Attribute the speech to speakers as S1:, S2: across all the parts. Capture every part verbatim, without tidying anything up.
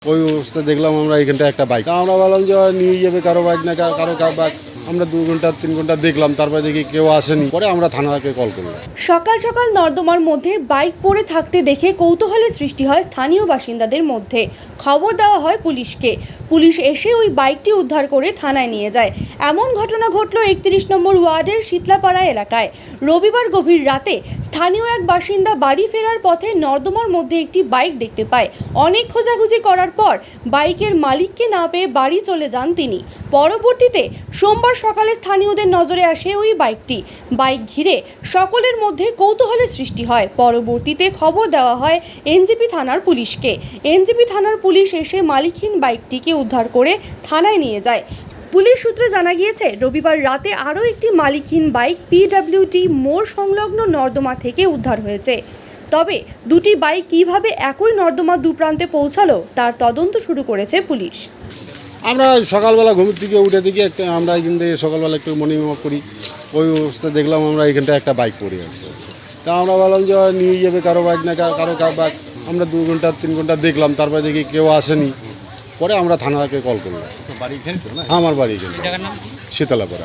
S1: ওই অবস্থায় দেখলাম আমরা এখানটা একটা বাইক, আমরা বললাম যে নিয়ে যাবে কারো বাইক না কারো কারো বাইক। আমরা দু ঘন্টা তিন ঘন্টা দেখলাম, তারপরে দেখি কেউ আসেনি। পরে আমরা থানাকে কল করলাম।
S2: সকাল সকাল নর্দমার মধ্যে বাইক পড়ে থাকতে দেখে কৌতূহলের সৃষ্টি হয় স্থানীয় বাসিন্দাদের মধ্যে। খবর দেওয়া হয় পুলিশকে। পুলিশ এসে ওই বাইকটি উদ্ধার করে থানায় নিয়ে যায়। এমন ঘটনা ঘটল একত্রিশ নম্বর ওয়ার্ডের শীতলাপাড়া এলাকায়। রবিবার গভীর রাতে স্থানীয় এক বাসিন্দা বাড়ি ফেরার পথে নর্দমার মধ্যে একটি বাইক দেখতে পায়। অনেক খোঁজাখুঁজি করার পর বাইকের মালিককে না পেয়ে বাড়ি চলে যান তিনি। পরবর্তীতে সোমবার সকালে স্থানীয়দের নজরে আসে ওই বাইকটি। বাইক ঘিরে সকলের মধ্যে কৌতূহলের সৃষ্টি হয়। পরবর্তীতে খবর দেওয়া হয় এনজেপি থানার পুলিশকে। এনজেপি থানার পুলিশ এসে মালিকহীন বাইকটিকে উদ্ধার করে থানায় নিয়ে যায়। পুলিশ সূত্রে জানা গিয়েছে, রবিবার রাতে আরও একটি মালিকহীন বাইক পিডব্লিউটি মোড় সংলগ্ন নর্দমা থেকে উদ্ধার হয়েছে। তবে দুটি বাইক কিভাবে একই নর্দমা দুপ্রান্তে পৌঁছালো তার তদন্ত শুরু করেছে পুলিশ।
S1: আমরা সকালবেলা ঘুম থেকে উঠে দেখি একটা, আমরা এখান থেকে সকালবেলা একটু মর্নিং ওয়াক করি। ওই অবস্থায় দেখলাম আমরা এখানটা একটা বাইক পড়ে আছে। তা আমরা বললাম যে নিয়ে যাবে কারো বাইক না কারো কারো বাইক। আমরা দু ঘন্টা তিন ঘন্টা দেখলাম, তারপরে দেখি কেউ আসেনি। পরে আমরা থানাকে কল করলাম। আমার বাড়ি এখানে শীতলাপাড়া।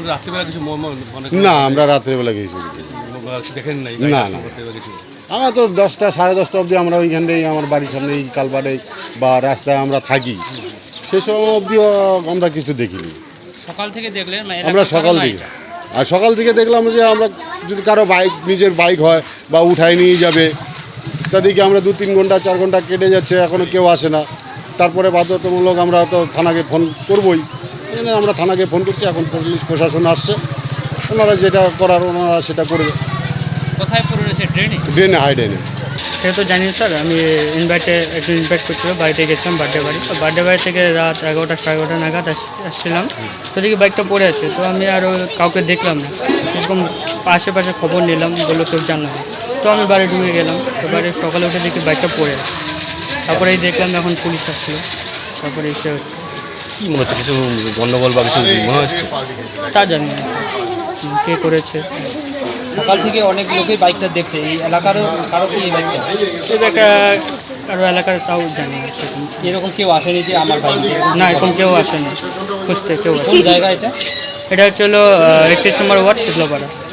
S1: না, আমরা রাত্রেবেলা গেছি। না না, আমরা তো দশটা সাড়ে দশটা অবধি আমরা ওইখানটাই আমার বাড়ির সামনে এই কালবারে বা রাস্তায় আমরা থাকি। সে সময় অবধিও আমরা কিছু দেখিনি।
S3: সকাল থেকে দেখলেন?
S1: আমরা সকাল থেকে আর সকাল থেকে দেখলাম যে আমরা যদি কারো বাইক নিজের বাইক হয় বা উঠায় নিয়ে যাবে, তাদেরকে আমরা দু তিন ঘন্টা চার ঘন্টা কেটে যাচ্ছে, এখনও কেউ আসে না। তারপরে বাধ্যতামূলক আমরা তো থানাকে ফোন করবই। এখানে আমরা থানাকে ফোন করছি, এখন পুলিশ প্রশাসন আসছে, ওনারা যেটা করার ওনারা সেটা করবে।
S3: কোথায় পড়ে রয়েছে? ড্রেনে?
S1: ড্রেনে, হাই ড্রেনে।
S4: সে তো জানি স্যার, আমি ইনভাইটে একটু ইনভাইট করছিল, বাড়িতে গেছিলাম বার্থডে বাড়ি। তো বার্থডে বাড়ি থেকে রাত এগারোটা সাড়ে এগারোটা নাগাদ আসছিলাম। তো দেখি বাইকটা পড়ে আছে। তো আমি আরও কাউকে দেখলাম না, এরকম আশেপাশে খবর নিলাম, বললো কেউ জানা। তো আমি বাড়ি ঢুকে গেলাম। তো বাড়ি সকালে উঠে দেখি বাইকটা পড়ে আছে। তারপরেই দেখলাম এখন পুলিশ আসছিলো, তারপরে এসে হচ্ছে।
S5: কী মনে হচ্ছে, কিছু গণ্ডগোল বা কিছু মনে হচ্ছে?
S4: তা জানি না কে করেছে।
S3: সকাল থেকে অনেক লোকই বাইকটা দেখছে। এই এলাকারও কারো কি এই বাইকটা?
S4: এই বাইকটা কারো এলাকার তাও জানি না সেরকম।
S3: এরকম কেউ আসেনি যে আমার বাইক?
S4: না, এরকম কেউ আসেনি, খুঁজতে কেউ আসে।
S3: কোন জায়গা এটা?
S4: এটা হচ্ছে হলো একত্রিশ নম্বর ওয়ার্ড শীতলাপাড়া।